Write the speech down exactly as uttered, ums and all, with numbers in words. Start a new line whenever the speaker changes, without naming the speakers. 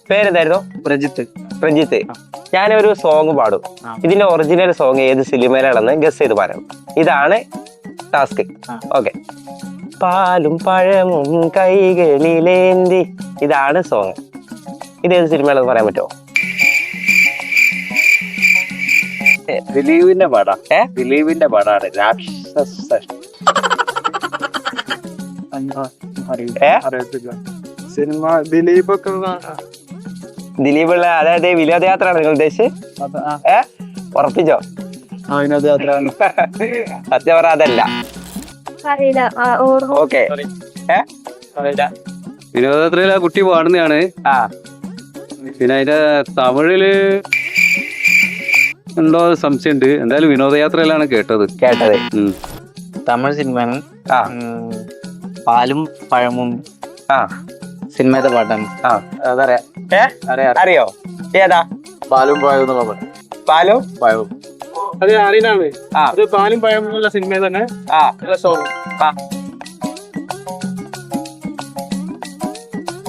പേരെന്തായിരുന്നു?
പ്രജിത്ത്.
പ്രജിത്ത്. ഞാനൊരു സോങ് പാടും. ഇതിന്റെ ഒറിജിനൽ സോങ് ഏത് സിനിമയിലാണെന്ന് ഗസ് ചെയ്ത് പറയണം. ഇതാണ് ടാസ്ക്. ഓക്കെ. പാലും പഴമും കൈകളിലേന്തി, ഇതാണ് സോങ്. ഇത് ഏത് സിനിമയാണെന്ന് പറയാൻ പറ്റുമോ?
ദിലീപിന്റെ പടം. ഏ ദിലീപിന്റെ പടാണ് രാക്ഷസ. സിനിമ ദിലീപൊക്കെ
ദിലീപുള്ള, അതായത് വിനോദയാത്രയാണ് നിങ്ങൾ ഉദ്ദേശിച്ചത്? ഏ ഉറപ്പിച്ചോ?
വിനോദയാത്ര.
സത്യം പറ അതല്ല. ഓക്കെ.
വിനോദയാത്രയിൽ ആ കുട്ടി പാടുന്നതാണ്.
ആ
പിന്നെ അതിന്റെ തമിഴില് എന്തോ സംശയമുണ്ട്. എന്തായാലും വിനോദയാത്രയിലാണ് കേട്ടത്
കേട്ടത്
തമിഴ് സിനിമയാണ്.
ആ
പാലും പഴമും
ആ
സിനിമയുടെ പാട്ടാണ്.
ആ
അതറിയാം.
ഏ അറിയോ? ഏതാ?
പാലും പഴവും എന്നുള്ള പാട്ട്.
പാലും
പഴവും
അത് അറിയുന്നതാണ്.
ആ
അത് പാലും പഴം എന്നുള്ള സിനിമ തന്നെ.
ആ
സോങ്.
ആ